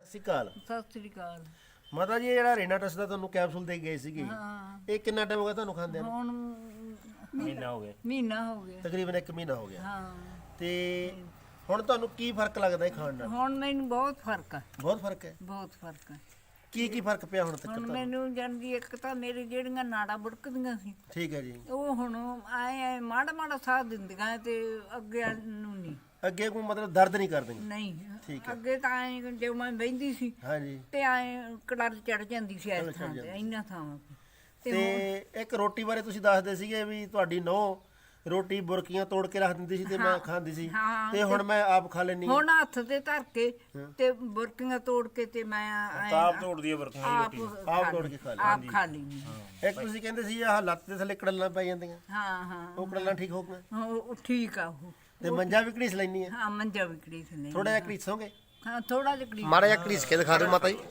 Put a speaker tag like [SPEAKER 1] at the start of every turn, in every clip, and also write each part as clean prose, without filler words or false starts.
[SPEAKER 1] ਸਤਿ ਸ਼੍ਰੀ ਅਕਾਲ।
[SPEAKER 2] ਸਤਿ ਸ੍ਰੀ ਅਕਾਲ।
[SPEAKER 1] ਮਾਤਾ ਜੀ ਇਹ ਜਿਹੜਾ ਰੇਨਾਟਸ ਦਾ ਤੁਹਾਨੂੰ ਕੈਪਸੂਲ ਦੇ ਗਏ ਸੀਗੇ
[SPEAKER 2] ਹਾਂ
[SPEAKER 1] ਇਹ ਕਿੰਨਾ ਟਾਈਮ ਹੋ ਗਿਆ ਤੁਹਾਨੂੰ ਖਾਂਦਿਆਂ ਨੂੰ?
[SPEAKER 2] ਹੁਣ
[SPEAKER 3] ਮਹੀਨਾ ਹੋ ਗਿਆ।
[SPEAKER 2] ਮਹੀਨਾ ਹੋ ਗਿਆ।
[SPEAKER 1] ਤਕਰੀਬਨ 1 ਮਹੀਨਾ ਹੋ ਗਿਆ।
[SPEAKER 2] ਹਾਂ
[SPEAKER 1] ਤੇ ਹੁਣ ਤੁਹਾਨੂੰ ਕੀ ਫਰਕ ਲੱਗਦਾ ਇਹ ਖਾਣ ਨਾਲ?
[SPEAKER 2] ਹੁਣ ਮੈਨੂੰ ਬਹੁਤ ਫਰਕ ਆ,
[SPEAKER 1] ਬਹੁਤ ਫਰਕ ਹੈ।
[SPEAKER 2] ਬਹੁਤ ਫਰਕ ਆ।
[SPEAKER 1] ਕੀ ਫਰਕ ਪਿਆ ਹੁਣ ਤੱਕ
[SPEAKER 2] ਹੁਣ
[SPEAKER 1] ਤੁਹਾਨੂੰ?
[SPEAKER 2] ਮੈਨੂੰ ਜਾਂਦੀ ਇੱਕ ਤਾਂ ਮੇਰੀ ਜਿਹੜੀਆਂ ਨਾੜਾਂ ਬੁੜਕਦੀਆਂ ਸੀ
[SPEAKER 1] ਠੀਕ ਹੈ ਜੀ।
[SPEAKER 2] ਉਹ ਹੁਣ ਆਏ ਮਾੜਾ ਮਾੜਾ ਸਾਹ ਦਿੰਦੀਆਂ ਤੇ ਅੱਗੇ ਨੂੰ ਨਹੀਂ।
[SPEAKER 1] ਅੱਗੇ ਕੋਈ ਮਤਲਬ ਦਰਦ ਨਹੀਂ ਕਰਦੀਆਂ?
[SPEAKER 2] ਨਹੀਂ
[SPEAKER 1] ਠੀਕ ਹੈ।
[SPEAKER 2] ਅੱਗੇ ਤਾਂ ਐ ਜੇ ਮੈਂ ਬਹਿੰਦੀ ਸੀ
[SPEAKER 1] ਹਾਂਜੀ।
[SPEAKER 2] ਤੇ ਐ ਕੜਰ ਚੜ ਜਾਂਦੀ ਸੀ ਇਸ ਥਾਂ ਤੇ ਇੰਨਾ ਥਾਂ ਤੇ
[SPEAKER 1] ਤੇ ਇੱਕ ਰੋਟੀ ਬਾਰੇ ਤੁਸੀਂ ਦੱਸਦੇ ਸੀਗੇ ਵੀ ਤੁਹਾਡੀ ਨੂੰਹ ਰੋਟੀ ਬੁਰਕੀਆਂ ਤੋੜ ਕੇ ਰੱਖ ਦਿੰਦੀ ਸੀ ਤੇ ਮੈਂ ਖਾਂਦੀ ਸੀ
[SPEAKER 2] ਹਾਂ,
[SPEAKER 1] ਤੇ ਹੁਣ ਮੈਂ ਆਪ ਖਾ ਲੈਣੀ।
[SPEAKER 2] ਹੁਣ ਹੱਥ ਤੇ ਧਰ ਕੇ ਤੇ ਬੁਰਕੀਆਂ ਤੋੜ ਕੇ ਤੇ ਮੈਂ
[SPEAKER 3] ਤਾਪ ਤੋੜਦੀ ਹੈ ਵਰਤੋਂ
[SPEAKER 1] ਆਪ ਤੋੜ ਕੇ ਖਾ ਲੈਂਦੀ।
[SPEAKER 2] ਆਪ ਖਾ ਲਈ।
[SPEAKER 1] ਇੱਕ ਤੁਸੀਂ ਕਹਿੰਦੇ ਸੀ ਆਹ ਲੱਤ ਦੇ ਥੱਲੇ ਕੜਲਾਂ ਪੈ ਜਾਂਦੀਆਂ,
[SPEAKER 2] ਹਾਂ ਹਾਂ
[SPEAKER 1] ਉਹ ਕੜਲਾਂ ਠੀਕ ਹੋ ਗਈਆਂ
[SPEAKER 2] ਉਹ ਠੀਕ ਆ ਉਹ।
[SPEAKER 1] ਤੇ ਮੰਜਾ ਵੀ ਘੜੀਸ ਲੈਣੀ ਹੈ?
[SPEAKER 2] ਹਾਂ ਮੰਜਾ ਵਿਕੜੀ ਸੀ ਨਹੀਂ।
[SPEAKER 1] ਥੋੜਾ ਜਿਹਾ ਘੜੀਸੋਗੇ?
[SPEAKER 2] ਹਾਂ ਥੋੜਾ ਜਿਹਾ ਘੜੀਸ।
[SPEAKER 1] ਮਾੜਾ ਜਿਹਾ ਘੜੀਸ ਕੇ ਦਿਖਾ ਦਿਓ ਮਾਤਾ ਜੀ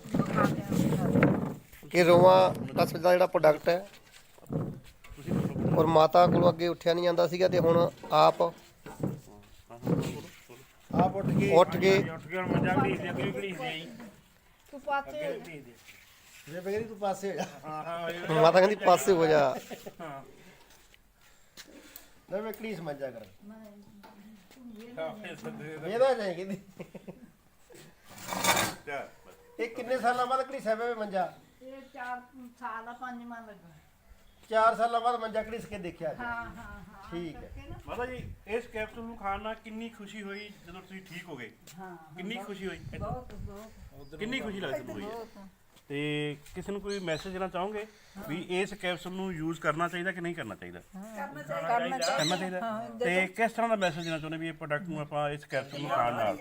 [SPEAKER 1] ਕਿ ਰੋਵਾਂ ਟਸ ਦਾ ਜਿਹੜਾ ਪ੍ਰੋਡਕਟ ਹੈ ਔਰ ਮਾਤਾ ਕੋਲੋਂ ਅੱਗੇ ਉੱਠਿਆ ਨਹੀਂ ਜਾਂਦਾ ਸੀਗਾ ਤੇ ਹੁਣ ਆਪ ਉੱਠ ਕੇ
[SPEAKER 3] ਉੱਠ ਕੇ ਹੁਣ ਮੰਜਾ ਘੜੀਸ ਦੇ ਅੱਗੇ ਘੜੀਸ ਦੇ ਜੀ।
[SPEAKER 2] ਤੂੰ ਪਾਸੇ
[SPEAKER 1] ਜੇ ਬਗੈਰੀ ਤੂੰ ਪਾਸੇ ਹੋ ਜਾ।
[SPEAKER 3] ਹਾਂ
[SPEAKER 1] ਮਾਤਾ ਕਹਿੰਦੀ ਪਾਸੇ ਹੋ ਜਾ।
[SPEAKER 3] ਹਾਂ
[SPEAKER 1] ਲੈ ਮੈਂ ਘੜੀਸ ਮੰਜਾ ਕਰ ਇਹਦਾ ਜਾਏ ਕਹਿੰਦੀ। ਇਹ ਕਿੰਨੇ ਸਾਲਾਂ ਬਾਅਦ ਘੜੀਸਿਆ ਪਿਆ ਮੰਜਾ?
[SPEAKER 2] ਇਹ 4 ਸਾਲ ਆ 5 ਮਾਹ ਲੱਗਾ।
[SPEAKER 1] 4 ਸਾਲਾਂ ਬਾਅਦ ਮੰਜਾ ਘੜੀਸ ਕੇ ਦੇਖਿਆ ਜੀ।
[SPEAKER 2] ਹਾਂ ਹਾਂ ਹਾਂ
[SPEAKER 1] ਠੀਕ ਹੈ।
[SPEAKER 3] ਮਾਤਾ ਜੀ ਇਸ ਕੈਪਸੂਲ ਨੂੰ ਖਾਣ ਨਾਲ ਕਿੰਨੀ ਖੁਸ਼ੀ ਹੋਈ ਜਦੋਂ ਤੁਸੀਂ ਠੀਕ ਹੋ ਗਏ?
[SPEAKER 2] ਹਾਂ
[SPEAKER 3] ਕਿੰਨੀ ਖੁਸ਼ੀ ਹੋਈ?
[SPEAKER 2] ਬਹੁਤ ਬਹੁਤ
[SPEAKER 3] ਕਿੰਨੀ ਖੁਸ਼ੀ ਲੱਗਦੀ ਹੋਈ ਹੈ?
[SPEAKER 2] ਬਹੁਤ।
[SPEAKER 3] ਤੇ ਕਿਸੇ ਨੂੰ ਕੋਈ ਮੈਸੇਜ ਦੇਣਾ ਚਾਹੋਗੇ ਵੀ ਇਸ ਕੈਪਸੂਲ ਨੂੰ ਯੂਜ਼ ਕਰਨਾ ਚਾਹੀਦਾ ਕਿ ਨਹੀਂ ਕਰਨਾ ਚਾਹੀਦਾ?
[SPEAKER 2] ਕਰਨਾ
[SPEAKER 3] ਕਰਨਾ ਚਾਹੀਦਾ। ਤੇ ਕਿਸ ਤਰ੍ਹਾਂ ਦਾ ਮੈਸੇਜ ਦੇਣਾ ਚਾਹੁੰਦੇ ਵੀ ਇਹ ਪ੍ਰੋਡਕਟ ਨੂੰ ਆਪਾਂ ਇਸ ਕੈਪਸੂਲ ਨੂੰ ਖਾਣ ਨਾਲ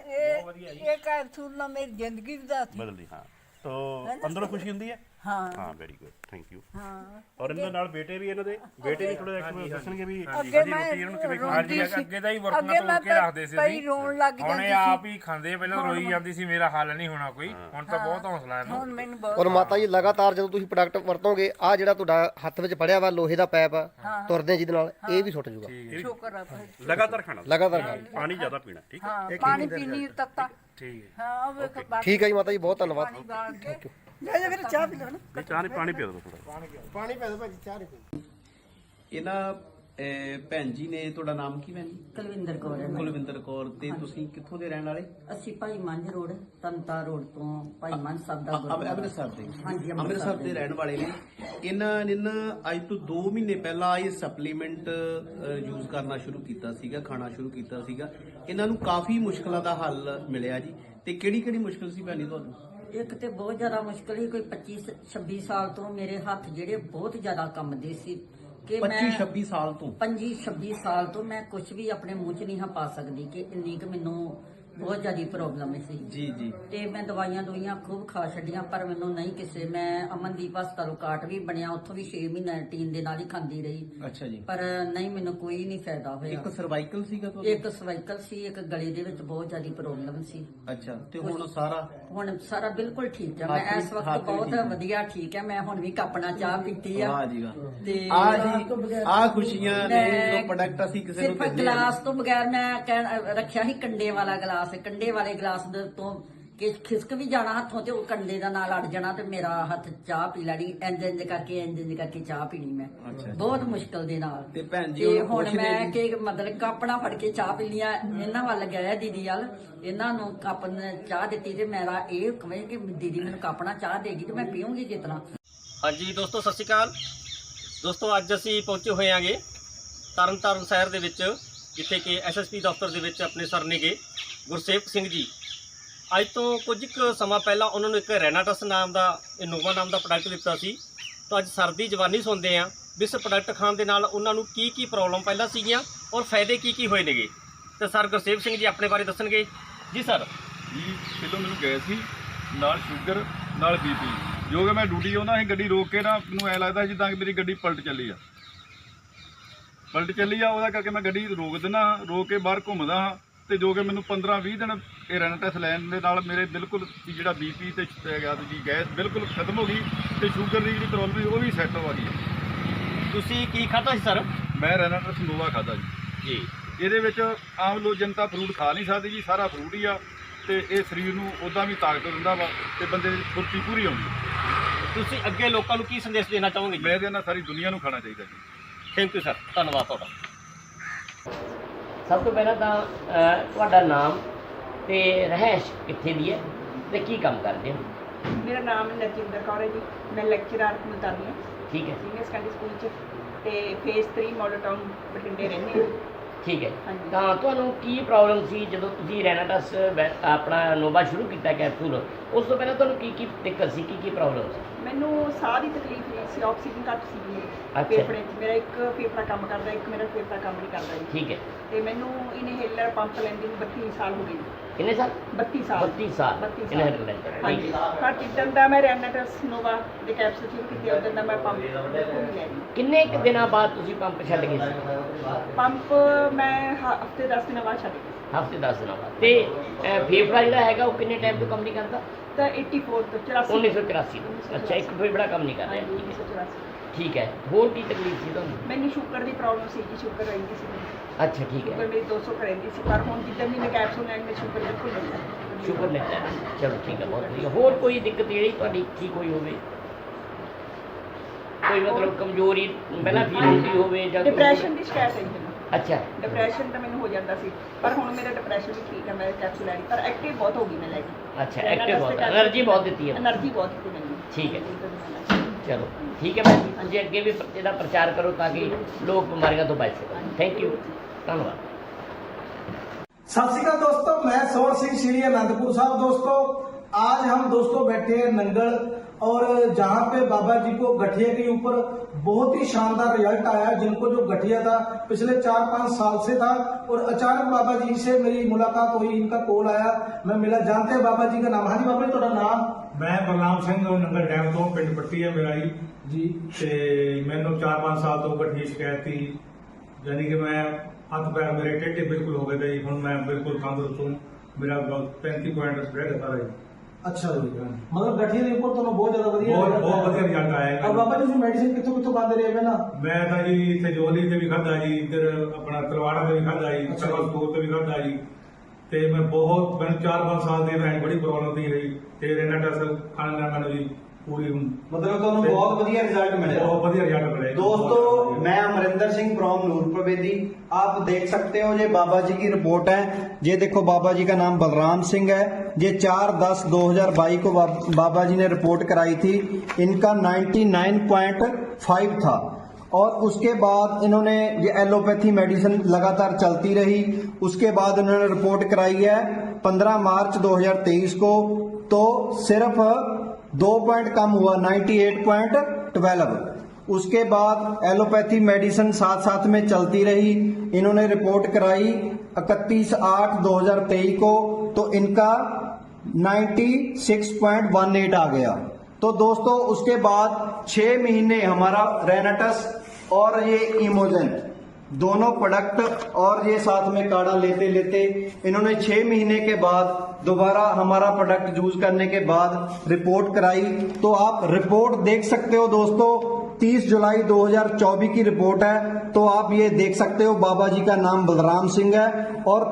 [SPEAKER 2] ਇਹ ਕੈਪਸੂਲ ਨਾਲ ਮੇਰੀ ਜ਼ਿੰਦਗੀ ਬਦਲਦੀ।
[SPEAKER 3] ਬਦਲਦੀ? ਹਾਂ ਤੋ ਅੰਦਰੋਂ ਖੁਸ਼ੀ ਹੁੰਦੀ ਹੈ?
[SPEAKER 2] ਹਾਂ
[SPEAKER 3] ਹਾਂ ਵੈਰੀ ਗੁੱਡ ਥੈਂਕ ਯੂ।
[SPEAKER 2] ਹਾਂ
[SPEAKER 3] ਔਰ ਇਹਨਾਂ ਨਾਲ ਬੇਟੇ ਵੀ ਇਹਨਾਂ ਦੇ ਬੇਟੇ ਵੀ ਥੋੜਾ ਜਿਹਾ ਦੱਸਣਗੇ ਵੀ
[SPEAKER 2] ਅੱਗੇ
[SPEAKER 3] ਸਾਡੀ
[SPEAKER 2] ਮੈਂ
[SPEAKER 3] ਰੋਟੀ ਇਹਨਾਂ ਨੂੰ ਕਿਵੇਂ
[SPEAKER 2] ਰੋਂਦੀ
[SPEAKER 3] ਖਾਣੀ
[SPEAKER 2] ਸੀ।
[SPEAKER 4] ਅੱਗੇ ਤਾਂ ਹੀ
[SPEAKER 2] ਅੱਗੇ
[SPEAKER 4] ਵਰਤਣਾ
[SPEAKER 2] ਮੈਂ
[SPEAKER 4] ਤੋੜ ਕੇ ਰੱਖਦੇ ਸੀ
[SPEAKER 2] ਪਈ ਰੋਣ ਲੱਗ
[SPEAKER 4] ਹੁਣ
[SPEAKER 2] ਜਾਂਦੀ
[SPEAKER 4] ਇਹ ਆਪ ਹੀ ਖਾਂਦੇ ਪਹਿਲਾਂ ਰੋਈ ਜਾਂਦੀ ਸੀ ਮੇਰਾ ਹੱਲ ਨਹੀਂ ਹੋਣਾ ਕੋਈ। ਹੁਣ ਤਾਂ ਬਹੁਤ ਹੌਸਲਾ ਹੈ
[SPEAKER 2] ਹੁਣ ਮੈਨੂੰ ਬਹੁਤ
[SPEAKER 1] ਔਰ ਮਾਤਾ ਜੀ ਲਗਾਤਾਰ ਜਦੋਂ ਤੁਸੀਂ ਪ੍ਰੋਡਕਟ ਵਰਤੋਗੇ ਆ ਜਿਹੜਾ ਤੁਹਾਡਾ ਹੱਥ ਵਿੱਚ ਫੜਿਆ ਵਾ ਲੋਹੇ ਦਾ ਪਾਈਪ ਆ ਤੁਰਦੇ ਜਿਹਦੇ ਨਾਲ ਇਹ ਵੀ ਛੁੱਟ ਜੂਗਾ।
[SPEAKER 2] ਸ਼ੁਕਰ ਆ ਭਾਈ।
[SPEAKER 3] ਲਗਾਤਾਰ ਖਾਣਾ
[SPEAKER 1] ਲਗਾਤਾਰ ਖਾਓ।
[SPEAKER 3] ਪਾਣੀ ਜ਼ਿਆਦਾ ਪੀਣਾ ਠੀਕ ਹੈ?
[SPEAKER 2] ਹਾਂ ਪਾਣੀ ਪੀਣੀ ਤੱਤਾ।
[SPEAKER 3] ਠੀਕ ਹੈ।
[SPEAKER 2] ਹਾਂ ਉਹ ਵੇਖ ਬਾਕੀ
[SPEAKER 1] ਠੀਕ ਹੈ ਜੀ ਮਾਤਾ ਜੀ ਬਹੁਤ ਧੰਨਵਾਦ।
[SPEAKER 2] ਪਾਣੀ ਬਾਲ ਕੇ
[SPEAKER 3] ਨਹੀਂ ਚਾਹ ਨਹੀਂ ਪਾਣੀ ਪੀ ਦਿਓ ਥੋੜਾ।
[SPEAKER 1] ਪਾਣੀ ਪੈ ਦੋ ਭਾਜੀ ਚਾਹ ਨਹੀਂ ਪੀ।
[SPEAKER 5] ਇਹਨਾਂ ਭੈਣ ਜੀ ਨੇ ਤੁਹਾਡਾ ਨਾਮ ਕੀ ਭੈਣ ਜੀ?
[SPEAKER 6] ਕੁਲਵਿੰਦਰ ਕੌਰ ਹੈ।
[SPEAKER 5] ਕੁਲਵਿੰਦਰ ਕੌਰ। ਤੇ ਤੁਸੀਂ ਕਿੱਥੋਂ ਦੇ ਰਹਿਣ ਵਾਲੇ?
[SPEAKER 6] ਅਸੀਂ ਭਾਈ ਮੰਝ ਰੋਡ ਤੰਤਾ ਰੋਡ ਤੋਂ ਭਾਈ ਮੰਝ ਸਾਹਿਬ ਦਾ ਗੁਰਦੁਆਰਾ।
[SPEAKER 5] ਅੰਮ੍ਰਿਤਸਰ ਦੇ?
[SPEAKER 6] ਹਾਂਜੀ,
[SPEAKER 5] ਅੰਮ੍ਰਿਤਸਰ ਦੇ ਰਹਿਣ ਵਾਲੇ ਨੇ। ਇਹਨਾਂ ਨੇ ਨਾ ਅੱਜ ਤੋਂ 2 ਮਹੀਨੇ ਪਹਿਲਾਂ ਇਹ ਸਪਲੀਮੈਂਟ ਯੂਜ਼ ਕਰਨਾ ਸ਼ੁਰੂ ਕੀਤਾ ਸੀਗਾ, ਖਾਣਾ ਸ਼ੁਰੂ ਕੀਤਾ ਸੀਗਾ। ਇਹਨਾਂ ਨੂੰ ਕਾਫੀ ਮੁਸ਼ਕਲਾਂ ਦਾ ਹੱਲ ਮਿਲਿਆ ਜੀ। ਤੇ ਕਿਹੜੀ ਕਿਹੜੀ ਮੁਸ਼ਕਲ ਸੀ ਭੈਣ ਜੀ ਤੁਹਾਨੂੰ?
[SPEAKER 6] ਇੱਕ ਤੇ ਬਹੁਤ ਜ਼ਿਆਦਾ ਮੁਸ਼ਕਲ ਸੀ। ਕੋਈ 25-26 ਸਾਲ ਤੋਂ ਮੇਰੇ ਹੱਥ ਜਿਹੜੇ ਬਹੁਤ ਜ਼ਿਆਦਾ ਕੰਬਦੇ ਸੀ ਕਿ
[SPEAKER 5] 25-26 ਸਾਲ ਤੋਂ?
[SPEAKER 6] 25-26 ਸਾਲ ਤੋਂ ਮੈਂ ਕੁਝ ਵੀ ਆਪਣੇ ਮੂੰਹ 'ਚ ਨਹੀਂ ਹਾਂ ਪਾ ਸਕਦੀ ਕਿ ਇੰਨੀ ਕੁ ਮੈਨੂੰ ਬਹੁਤ ਜ਼ਿਆਦਾ ਪ੍ਰੋਬਲਮ ਸੀ
[SPEAKER 5] ਜੀ ਜੀ।
[SPEAKER 6] ਤੇ ਮੈਂ ਦਵਾਈਆਂ ਖੂਬ ਖਾ ਛੱਡੀਆਂ ਪਰ ਮੈਨੂੰ ਨਹੀਂ ਕਿਸੇ। ਮੈਂ ਅਮਨਦੀਪ ਹਸਪਤਾਲ ਕਾਰਡ ਵੀ ਬਣਿਆ, ਉੱਥੋਂ ਵੀ 6 ਮਹੀਨੇ ਰੂਟੀਨ ਦੇ ਨਾਲ ਹੀ ਖਾਂਦੀ ਰਹੀ
[SPEAKER 5] ਅੱਛਾ ਜੀ।
[SPEAKER 6] ਪਰ ਨਹੀਂ ਮੈਨੂੰ ਕੋਈ ਨਹੀਂ ਫਾਇਦਾ ਹੋਇਆ।
[SPEAKER 5] ਇੱਕ ਸਰਵਾਈਕਲ ਸੀਗਾ ਤੁਹਾਨੂੰ?
[SPEAKER 6] ਇੱਕ ਸਰਵਾਈਕਲ ਸੀ, ਇੱਕ ਗਲੇ ਦੇ ਵਿੱਚ ਬਹੁਤ ਜ਼ਿਆਦਾ ਪ੍ਰੋਬਲਮ ਸੀ।
[SPEAKER 5] ਅੱਛਾ। ਤੇ ਹੁਣ ਸਾਰਾ?
[SPEAKER 6] ਹੁਣ ਸਾਰਾ ਬਿਲਕੁਲ ਠੀਕ ਹੈ। ਮੈਂ
[SPEAKER 5] ਹੱਥ
[SPEAKER 6] ਇਸ
[SPEAKER 5] ਵੀ
[SPEAKER 6] ਵਕਤ ਬਹੁਤ
[SPEAKER 5] ਠੀਕ ਹੈ।
[SPEAKER 6] ਵਧੀਆ ਠੀਕ ਹੈ। ਮੈਂ ਹੁਣ ਵੀ ਕੱਪਣਾ ਚਾਹ ਪੀਤੀ ਆ।
[SPEAKER 5] ਵਾਹ ਜੀ ਵਾਹ।
[SPEAKER 6] ਤੇ
[SPEAKER 5] ਆ ਜੀ ਆ ਖੁਸ਼ੀਆਂ ਨੇ ਜੋ ਪ੍ਰੋਡਕਟ ਅਸੀਂ ਕਿਸੇ ਨੂੰ
[SPEAKER 6] ਸਿਰਫ
[SPEAKER 5] ਦਿੰਦੇ ਹਾਂ।
[SPEAKER 6] ਗਲਾਸ ਤੋਂ ਬਗੈਰ ਮੈਂ ਰੱਖਿਆ ਸੀ ਕੰਡੇ ਵਾਲਾ ਗਲਾਸ। ਕੰਡੇ ਵਾਲੇ ਗਲਾਸ ਦੇ ਤੋਂ ਕਿ ਖਿਸਕ ਵੀ ਜਾਣਾ ਹੱਥੋਂ ਤੇ ਉਹ ਕੰਡੇ ਦਾ ਨਾਲ ਅੜ ਜਾਣਾ ਤੇ ਮੇਰਾ ਹੱਥ ਚਾਹ ਪੀ ਲੈਣੀ। ਇੰਜ ਕਰਕੇ ਚਾਹ ਪੀਣੀ ਮੈਂ ਬਹੁਤ ਮੁਸ਼ਕਲ ਦੇ ਨਾਲ।
[SPEAKER 5] ਤੇ ਭੈਣ ਜੀ
[SPEAKER 6] ਤੇ
[SPEAKER 5] ਹੁਣ
[SPEAKER 6] ਹੁਣ
[SPEAKER 5] ਖੁਸ਼ ਨੇ
[SPEAKER 6] ਮੈਂ
[SPEAKER 5] ਜੀ?
[SPEAKER 6] ਕਿ ਮਤਲਬ ਕੱਪਣਾ ਫੜ ਕੇ ਚਾਹ ਪੀ ਲਿਆ। ਇਹਨਾਂ ਵੱਲ ਗਿਆ ਦੀਦੀ ਵੱਲ, ਇਹਨਾਂ ਨੂੰ ਕੱਪ ਨੇ ਚਾਹ ਦਿੱਤੀ ਤੇ ਮੇਰਾ ਇਹ ਕਹੇ ਕਿ ਦੀਦੀ ਮੈਨੂੰ ਕੱਪਣਾ ਚਾਹ ਦੇਗੀ ਤੇ ਮੈਂ ਪੀਉਂਗੀ ਜਿਸ ਤਰ੍ਹਾਂ।
[SPEAKER 7] ਹਾਂਜੀ ਦੋਸਤੋ ਸਤਿ ਸ਼੍ਰੀ ਅਕਾਲ। ਦੋਸਤੋ ਅੱਜ ਅਸੀਂ ਪਹੁੰਚੇ ਹੋਏ ਆਂਗੇ ਤਰਨਤਾਰਨ ਸ਼ਹਿਰ ਦੇ ਵਿੱਚ, ਜਿੱਥੇ ਕਿ ਐਸਐਸਪੀ ਦਫ਼ਤਰ ਦੇ ਵਿੱਚ ਆਪਣੇ ਸਰ ਨੇਗੇ ਗੁਰਸੇਵਕ ਸਿੰਘ ਜੀ। ਅੱਜ ਤੋਂ ਕੁਝ ਕੁ ਸਮਾਂ ਪਹਿਲਾਂ ਉਹਨਾਂ ਨੂੰ ਇੱਕ ਰੈਨਾਟਸ ਨਾਮ ਦਾ ਇਨੋਵਾ ਨਾਮ ਦਾ ਪ੍ਰੋਡਕਟ ਦਿੱਤਾ ਸੀ। ਤਾਂ ਅੱਜ ਸਰ ਦੀ ਜ਼ਬਾਨੀ ਸੁਣਦੇ ਹਾਂ ਵੀ ਇਸ ਪ੍ਰੋਡਕਟ ਖਾਣ ਦੇ ਨਾਲ ਉਹਨਾਂ ਨੂੰ ਕੀ ਪ੍ਰੋਬਲਮ ਪਹਿਲਾਂ ਸੀਗੀਆਂ ਔਰ ਫਾਇਦੇ ਕੀ ਹੋਏ ਨੇਗੇ। ਤੇ ਸਰ ਗੁਰਸੇਵਕ ਸਿੰਘ ਜੀ ਆਪਣੇ ਬਾਰੇ ਦੱਸਣਗੇ। ਜੀ ਸਰ।
[SPEAKER 8] ਜੀ ਪਹਿਲਾਂ ਮੈਨੂੰ ਗਏ ਸੀ ਨਾਲ ਸ਼ੂਗਰ ਨਾਲ ਬੀਪੀ, ਜੋ ਕਿ ਮੈਂ ਡਿਊਟੀ ਆਉਂਦਾ ਸੀ ਗੱਡੀ ਰੋਕ ਕੇ ਨਾ ਮੈਨੂੰ ਐ ਲੱਗਦਾ ਜਿੱਦਾਂ ਕਿ ਮੇਰੀ ਗੱਡੀ ਪਲਟ ਚੱਲੀ ਆ। ਉਹਦਾ ਕਰਕੇ ਮੈਂ ਗੱਡੀ ਰੋਕ ਦਿੰਦਾ, ਰੋਕ ਕੇ ਬਾਹਰ ਘੁੰਮਦਾ ਹਾਂ ਤੇ ਜੋ ਕਿ ਮੈਨੂੰ 15-20 ਦਿਨ ਇਹ ਰੈਨਾਟਸ ਲੈਣ ਦੇ ਨਾਲ ਮੇਰੇ ਬਿਲਕੁਲ ਜਿਹੜਾ ਬੀਪੀ ਤੇ ਜੀ ਗੈਸ ਬਿਲਕੁਲ ਖਤਮ ਹੋ ਗਈ ਤੇ ਸ਼ੂਗਰ ਦੀ ਜਿਹੜੀ ਪ੍ਰੋਬਲਮ ਸੀ ਉਹ ਵੀ ਸੈੱਟ ਹੋ ਗਈ।
[SPEAKER 7] ਤੁਸੀਂ ਕੀ ਖਾਧਾ ਸੀ ਸਰ?
[SPEAKER 8] ਮੈਂ ਰੈਨਾਟਸ ਨੋਵਾ ਖਾਧਾ ਜੀ।
[SPEAKER 7] ਜੀ।
[SPEAKER 8] ਇਹਦੇ ਵਿੱਚ ਆਮ ਲੋਕ ਜਨਤਾ ਫਰੂਟ ਖਾ ਨਹੀਂ ਸਕਦੀ ਜੀ, ਸਾਰਾ ਫਰੂਟ ਹੀ ਆ ਤੇ ਇਹ ਸਰੀਰ ਨੂੰ ਉੱਦਾਂ ਵੀ ਤਾਕਤ ਦਿੰਦਾ ਵਾ ਤੇ ਬੰਦੇ ਦੀ ਫੁਰਤੀ ਪੂਰੀ ਆਉਂਦੀ।
[SPEAKER 7] ਤੁਸੀਂ ਅੱਗੇ ਲੋਕਾਂ ਨੂੰ ਕੀ ਸੰਦੇਸ਼ ਦੇਣਾ ਚਾਹੋਗੇ ਜੀ?
[SPEAKER 8] ਮੈਂ ਕਹਿੰਦਾ ਸਾਰੀ ਦੁਨੀਆ ਨੂੰ ਖਾਣਾ ਚਾਹੀਦਾ ਜੀ।
[SPEAKER 7] ਥੈਂਕ ਯੂ ਸਰ, ਧੰਨਵਾਦ ਤੁਹਾਡਾ।
[SPEAKER 9] ਸਭ ਤੋਂ ਪਹਿਲਾਂ ਤਾਂ ਤੁਹਾਡਾ ਨਾਮ ਤੇ ਰਹਿائش ਕਿੱਥੇ ਦੀ ਹੈ ਤੇ ਕੀ ਕੰਮ ਕਰਦੇ ਹੋ?
[SPEAKER 10] ਮੇਰਾ ਨਾਮ ਨਰਜਿੰਦਰ ਕੌਰ ਹੈ ਜੀ। ਮੈਂ ਲੈਕਚਰਰ ਮੁਤਾਨੀ ਹਾਂ
[SPEAKER 9] ਠੀਕ ਹੈ,
[SPEAKER 10] ਸੀਨੀਅਰ ਸੈਕੰਡਰੀ ਸਕੂਲ 'ਚ ਤੇ ਫੇਜ਼ 3 ਮਾਡਲ ਟਾਊਨ ਬਠਿੰਡੇ ਰਹਿੰਦੇ ਹਾਂ।
[SPEAKER 9] ਠੀਕ ਹੈ।
[SPEAKER 10] ਹਾਂਜੀ।
[SPEAKER 9] ਤਾਂ ਤੁਹਾਨੂੰ ਕੀ ਪ੍ਰੋਬਲਮ ਸੀ ਜਦੋਂ ਤੁਸੀਂ ਰੈਨਾਟਸ ਆਪਣਾ ਨੋਵਾ ਸ਼ੁਰੂ ਕੀਤਾ ਕੈਪਸੂਲ? ਉਸ ਤੋਂ ਪਹਿਲਾਂ ਤੁਹਾਨੂੰ ਕੀ ਦਿੱਕਤ ਸੀ, ਕੀ ਪ੍ਰੋਬਲਮ ਸੀ?
[SPEAKER 10] ਮੈਨੂੰ ਸਾਹ ਦੀ ਤਕਲੀਫ ਨਹੀਂ ਸੀ, ਆਕਸੀਜਨ ਘੱਟ ਸੀ ਮੇਰੇ
[SPEAKER 9] ਅੱਛਾ।
[SPEAKER 10] ਫੇਫੜੇ 'ਚ। ਮੇਰਾ ਇੱਕ ਫੇਫੜਾ ਕੰਮ ਕਰਦਾ, ਇੱਕ ਮੇਰਾ ਫੇਫੜਾ ਕੰਮ ਨਹੀਂ ਕਰਦਾ ਜੀ।
[SPEAKER 9] ਠੀਕ ਹੈ।
[SPEAKER 10] ਤੇ ਮੈਨੂੰ ਇਨਹੇਲਰ ਪੰਪ ਲੈਂਦੇ ਨੂੰ 32 ਸਾਲ ਹੋ ਗਏ ਜੀ।
[SPEAKER 9] ਕਿੰਨੇ ਸਾਲ?
[SPEAKER 10] 32 ਸਾਲ
[SPEAKER 9] 32 ਸਾਲ
[SPEAKER 10] 32
[SPEAKER 9] inhaler ਲੈਂਦੇ ਹੋ।
[SPEAKER 10] ਹਾਂਜੀ। ਪਰ ਜਿੱਦਣ ਦਾ ਮੈਂ ਰੈਨਾਟਸ ਨੋਵਾ ਦੇ ਕੈਪਸੂਲ ਸ਼ੁਰੂ ਕੀਤੇ ਉਦੋਂ ਦਾ ਮੈਂ ਪੰਪ ਬਿਲਕੁਲ ਨਹੀਂ ਲੈ ਰਹੀ।
[SPEAKER 9] ਕਿੰਨੇ ਕੁ ਦਿਨਾਂ ਬਾਅਦ ਤੁਸੀਂ ਪੰਪ ਛੱਡ ਗਏ ਸੀ?
[SPEAKER 10] ਪੰਪ ਮੈਂ ਹਫਤੇ 10 ਦਿਨਾਂ ਬਾਅਦ ਛੱਡ ਗਈ।
[SPEAKER 9] ਹਫ਼ਤੇ 10 ਦਿਨਾਂ ਬਾਅਦ। ਤੇ ਫੇਫੜਾ ਜਿਹੜਾ ਹੈਗਾ ਉਹ ਕਿੰਨੇ ਟਾਈਮ ਤੋਂ ਕੰਮ ਨਹੀਂ ਕਰਦਾ?
[SPEAKER 10] ਤਾਂ 84 ਤੋਂ 84
[SPEAKER 9] 1984 ਤੋਂ। ਅੱਛਾ, ਇੱਕ ਫੇਫੜਾ ਕੰਮ ਨਹੀਂ ਕਰ ਰਿਹਾ।
[SPEAKER 10] ਹਾਂਜੀ,
[SPEAKER 9] ਠੀਕ ਹੈ।
[SPEAKER 10] 1984।
[SPEAKER 9] ਠੀਕ ਹੈ। ਹੋਰ ਕੀ ਤਕਲੀਫ ਸੀ ਤੁਹਾਨੂੰ?
[SPEAKER 10] ਮੈਨੂੰ ਸ਼ੂਗਰ ਦੀ ਪ੍ਰੋਬਲਮ ਸੀ ਜੀ, ਸ਼ੂਗਰ ਰਹਿੰਦੀ ਸੀ ਮੈਨੂੰ।
[SPEAKER 9] ਅੱਛਾ, ਠੀਕ
[SPEAKER 10] ਸ਼ੂਗਰ
[SPEAKER 9] ਹੈ।
[SPEAKER 10] ਮੇਰੀ 200 ਰਹਿੰਦੀ ਸੀ, ਪਰ ਹੁਣ ਜਿੱਦਾਂ ਵੀ ਮੈਂ ਕੈਪਸੂਲ ਲੈਣ ਮੈਂ ਸ਼ੂਗਰ ਬਿਲਕੁਲ ਨਹੀਂ ਹੈ।
[SPEAKER 9] ਸ਼ੁਕਰ ਨਹੀਂ ਹੈ। ਚਲੋ ਠੀਕ ਹੈ, ਬਹੁਤ ਵਧੀਆ। ਹੋਰ ਕੋਈ ਦਿੱਕਤ ਜਿਹੜੀ ਤੁਹਾਡੀ ਠੀਕ ਹੋਈ ਹੋਵੇ? ਕੋਈ ਮਤਲਬ ਕਮਜ਼ੋਰੀ ਪਹਿਲਾਂ ਫੀਲ ਹੁੰਦੀ ਹੋਵੇ ਜਾਂ
[SPEAKER 10] ਡਿਪਰੈਸ਼ਨ ਦੀ ਸ਼ਿਕਾਇਤ ਹੈ ਜੀ ਮੈਨੂੰ।
[SPEAKER 9] ਅੱਛਾ।
[SPEAKER 10] ਡਿਪਰੈਸ਼ਨ ਤਾਂ ਮੈਨੂੰ ਹੋ ਜਾਂਦਾ ਸੀ, ਪਰ ਹੁਣ ਮੇਰਾ ਡਿਪਰੈਸ਼ਨ ਵੀ ਠੀਕ ਹੈ। ਮੈਂ ਕੈਪਸੂਲ ਲੈ ਲਈ, ਪਰ ਐਕਟਿਵ ਬਹੁਤ ਹੋ ਗਈ ਮੈਂ ਲੈ ਕੇ।
[SPEAKER 9] ਅੱਛਾ, ਐਕਟਿਵ ਬਹੁਤ, એનર્ਜੀ ਬਹੁਤ ਦਿੱਤੀ ਹੈ।
[SPEAKER 10] એનર્ਜੀ ਬਹੁਤ ਦਿੱਤੀ ਮੈਨੂੰ।
[SPEAKER 9] ਠੀਕ ਹੈ। ਚਲੋ ਠੀਕ ਹੈ ਮੈਮ ਜੀ, ਤੁਸੀਂ ਅੱਗੇ ਵੀ ਇਹਦਾ ਪ੍ਰਚਾਰ ਕਰੋ ਤਾਂ ਕਿ ਲੋਕ ਬਿਮਾਰੀਆਂ ਤੋਂ ਬਚ ਸਕਣ। ਥੈਂਕ ਯੂ, ਧੰਨਵਾਦ।
[SPEAKER 11] सत श्रीकाल दोस्तों, मैं सोर सिंह श्री आनंदपुर साहब। दोस्तों आज हम दोस्तों बैठे हैं नंगल, और जहां पे बाबा जी को गठिया के ऊपर बहुत ही शानदार रिजल्ट आया। जिनको जो गठिया था पिछले 4-5 साल से था, और अचानक बाबा जी से मेरी मुलाकात हुई, इनका कॉल आया, मैं मिला। जानते हैं बाबा जी का नाम? हाँ जी बाबा जी, थोड़ा नाम?
[SPEAKER 12] मैं बलराम सिंह नंगल डैम तो पिंड पट्टी है मेरा जी। ते मैंने 4-5 साल तो गठिया शिकायत थी, यानी कि मैं हथ पैर मेरे टेढ़े बिल्कुल हो गए थे। हुण मैं बिल्कुल तंदुरुस्त हूँ। मेरा 35 पॉइंट स्प्रेड होता रहा।
[SPEAKER 11] अच्छा जी, मतलब गठिया के ऊपर तो बहुत ज्यादा बढ़िया
[SPEAKER 12] बहुत बढ़िया रिजल्ट आया।
[SPEAKER 11] और बाबा जी मेडिसिन कितों खाते रहे ना?
[SPEAKER 12] मैं तो जी इतने जोली से भी खादा जी, इधर अपना तलवाड़ा से भी खादा जी, स्कूल से भी खादा जी। ते मैं बहुत, मैंने 4-5 साल से मैं बड़ी प्रॉब्लम थी रही ते रेनाटस खाने ਨਾਲ ਮੈਨੂੰ ਜੀ ਪੂਰੀ
[SPEAKER 11] मतलब ਤੁਹਾਨੂੰ बहुत बढ़िया रिजल्ट मिले?
[SPEAKER 12] बहुत बढ़िया रिजल्ट मिले
[SPEAKER 11] दोस्तों मैं अमरिंदर सिंह फ्रॉम नूरपुर बेदी। आप देख सकते हो ये बाबा जी की रिपोर्ट है। ये देखो बाबा जी का नाम बलराम सिंह है। ये 4/10/2022 को बाबा जी ने रिपोर्ट कराई थी। इनका 99.5 था, और उसके बाद इन्होंने ये एलोपैथी मेडिसिन लगातार चलती रही। उसके बाद इन्होंने रिपोर्ट कराई है 15 मार्च 2023 को, तो सिर्फ 2 पॉइंट कम हुआ, 98.12। उसके बाद एलोपैथी मेडिसिन साथ साथ में चलती रही। इन्होंने रिपोर्ट कराई 31/8/2023 को, तो इनका 96.18 आ गया। तो दोस्तों उसके बाद 6 महीने हमारा रेनाटस और ये इमोजन दोनों प्रोडक्ट और ये साथ में काढ़ा लेते लेते इन्होंने 6 महीने के बाद दोबारा हमारा प्रोडक्ट यूज करने के बाद रिपोर्ट कराई। तो आप रिपोर्ट देख सकते हो दोस्तों, 30 जुलाई 2024 की रिपोर्ट है। तो आप ये देख सकते हो बाबा जी का नाम बलराम सिंह है, और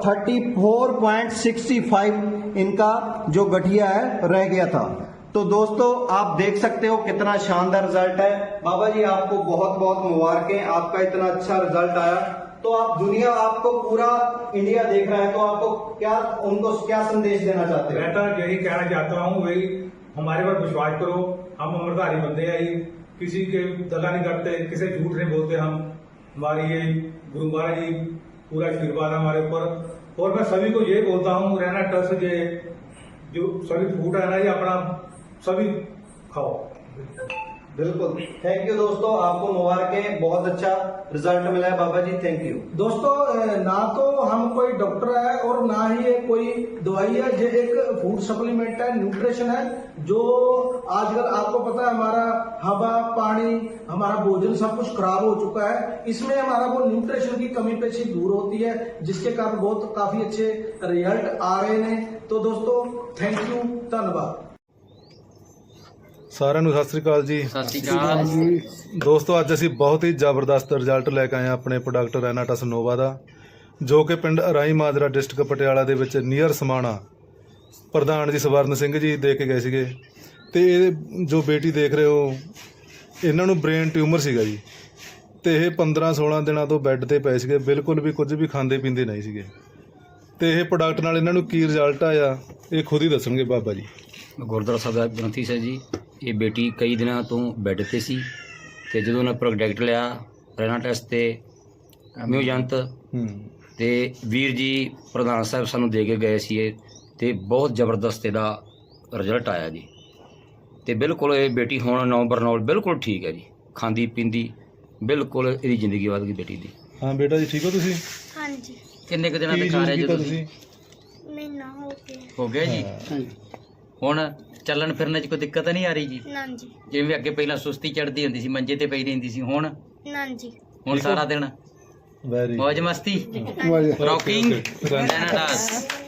[SPEAKER 11] 34.65 इनका जो गठिया है रह गया था। तो दोस्तों आप देख सकते हो कितना शानदार रिजल्ट है। बाबा जी आपको बहुत बहुत मुबारकें, आपका इतना अच्छा रिजल्ट आया। तो आप दुनिया, आपको पूरा इंडिया देख रहा है, तो आपको क्या, उनको क्या संदेश देना चाहते हैं?
[SPEAKER 12] मैं तो यही कहना चाहता हूँ भाई, हमारे पर विश्वास करो। हम अमरधारी बंदे हैं, किसी के दगा नहीं करते, किसी झूठ नहीं बोलते। हम हमारी ये गुरु महाराज जी पूरा आशीर्वाद है हमारे ऊपर। और मैं सभी को ये बोलता हूँ, रेनाटस जो सभी फूड है ना, ये अपना सभी खाओ।
[SPEAKER 11] बिल्कुल, थैंक यू दोस्तों, आपको मुबारकें, बहुत अच्छा रिजल्ट मिला है बाबा जी, थैंक यू। दोस्तों ना तो हम कोई डॉक्टर है और ना ही ये कोई दवाई है, ये एक फूड सप्लीमेंट है, न्यूट्रिशन है। जो आजकल आपको पता है हमारा हवा, पानी, हमारा भोजन सब कुछ खराब हो चुका है। इसमें हमारा वो न्यूट्रिशन की कमी पेशी दूर होती है, जिसके कारण बहुत काफी अच्छे रिजल्ट आ रहे हैं। तो दोस्तों थैंक यू, धन्यवाद।
[SPEAKER 13] ਸਾਰਿਆਂ ਨੂੰ ਸਤਿ ਸ੍ਰੀ ਅਕਾਲ ਜੀ।
[SPEAKER 9] ਸਤਿ ਸ਼੍ਰੀ ਅਕਾਲ
[SPEAKER 13] ਦੋਸਤੋ, ਅੱਜ ਅਸੀਂ ਬਹੁਤ ਹੀ ਜ਼ਬਰਦਸਤ ਰਿਜ਼ਲਟ ਲੈ ਕੇ ਆਏ ਹਾਂ ਆਪਣੇ ਪ੍ਰੋਡਕਟ ਰੈਨਾਟਸ ਨੋਵਾ ਦਾ, ਜੋ ਕਿ ਪਿੰਡ ਅਰਾਈ ਮਾਜਰਾ ਡਿਸਟ੍ਰਿਕਟ ਪਟਿਆਲਾ ਦੇ ਵਿੱਚ ਨੀਅਰ ਸਮਾਣਾ ਪ੍ਰਧਾਨ ਜੀ ਸਵਰਨ ਸਿੰਘ ਜੀ ਦੇ ਕੇ ਗਏ ਸੀਗੇ। ਤੇ ਇਹ ਜੋ ਬੇਟੀ ਦੇਖ ਰਹੇ ਹੋ, ਇਹਨਾਂ ਨੂੰ ਬ੍ਰੇਨ ਟਿਊਮਰ ਸੀਗਾ ਜੀ, ਤੇ ਇਹ 15-16 ਦਿਨਾਂ ਤੋਂ ਬੈੱਡ ਤੇ ਪਏ ਸੀਗੇ, ਬਿਲਕੁਲ ਵੀ ਕੁਝ ਵੀ ਖਾਂਦੇ ਪੀਂਦੇ ਨਹੀਂ ਸੀਗੇ। ਤੇ ਇਹ ਪ੍ਰੋਡਕਟ ਨਾਲ ਇਹਨਾਂ ਨੂੰ ਕੀ ਰਿਜ਼ਲਟ ਆਇਆ ਇਹ ਖੁਦ ਹੀ ਦੱਸਣਗੇ ਬਾਬਾ ਜੀ।
[SPEAKER 14] ਗੁਰਦੁਆਰਾ ਸਾਹਿਬ ਦਾ ਗ੍ਰੰਥੀ ਸਾਹਿਬ ਜੀ, ਇਹ ਬੇਟੀ ਕਈ ਦਿਨਾਂ ਤੋਂ ਬੈੱਡ ਤੇ ਸੀ, ਤੇ ਜਦੋਂ ਉਹਨਾਂ ਪ੍ਰੋਡਕਟ ਲਿਆ ਰੈਨਾ ਟੈਸਟ ਤੇ ਮਿਊਜੰਤ ਤੇ ਵੀਰ ਜੀ ਪ੍ਰਧਾਨ ਸਾਹਿਬ ਸਾਨੂੰ ਦੇ ਕੇ ਗਏ ਸੀ ਇਹ, ਤੇ ਬਹੁਤ ਜ਼ਬਰਦਸਤ ਇਹਦਾ ਰਿਜ਼ਲਟ ਆਇਆ ਜੀ। ਤੇ ਬਿਲਕੁਲ ਇਹ ਬੇਟੀ ਹੁਣ ਨਵੰਬਰ ਨਾਲ ਬਿਲਕੁਲ ਠੀਕ ਹੈ ਜੀ, ਖਾਂਦੀ ਪੀਂਦੀ ਬਿਲਕੁਲ ਇਹਦੀ ਜ਼ਿੰਦਗੀ ਵਧ ਗਈ ਬੇਟੀ ਦੀ।
[SPEAKER 13] ਹਾਂ ਬੇਟਾ ਜੀ, ਠੀਕ ਹੋ ਤੁਸੀਂ?
[SPEAKER 15] ਹਾਂਜੀ।
[SPEAKER 14] ਕਿੰਨੇ ਕੁ ਦਿਨਾਂ ਤੇ ਖਾ ਰਹੇ ਜੀ ਤੁਸੀਂ?
[SPEAKER 15] ਮਹੀਨਾ
[SPEAKER 14] ਹੋ ਗਿਆ ਜੀ। ਹੁਣ ਚੱਲਣ ਫਿਰਨ 'ਚ ਕੋਈ ਦਿੱਕਤ ਨਹੀਂ ਆ ਰਹੀ ਜੀ?
[SPEAKER 15] ਨਾ ਜੀ।
[SPEAKER 14] ਜਿਵੇਂ ਅੱਗੇ ਪਹਿਲਾਂ ਸੁਸਤੀ ਚੜ੍ਹਦੀ ਹੁੰਦੀ ਸੀ, ਮੰਜੇ ਤੇ ਪਈ ਰਹਿੰਦੀ ਸੀ, ਹੁਣ?
[SPEAKER 15] ਨਾ ਜੀ।
[SPEAKER 14] ਹੁਣ ਸਾਰਾ ਦਿਨ ਮौज मस्ती रॉकिंग कनाडा।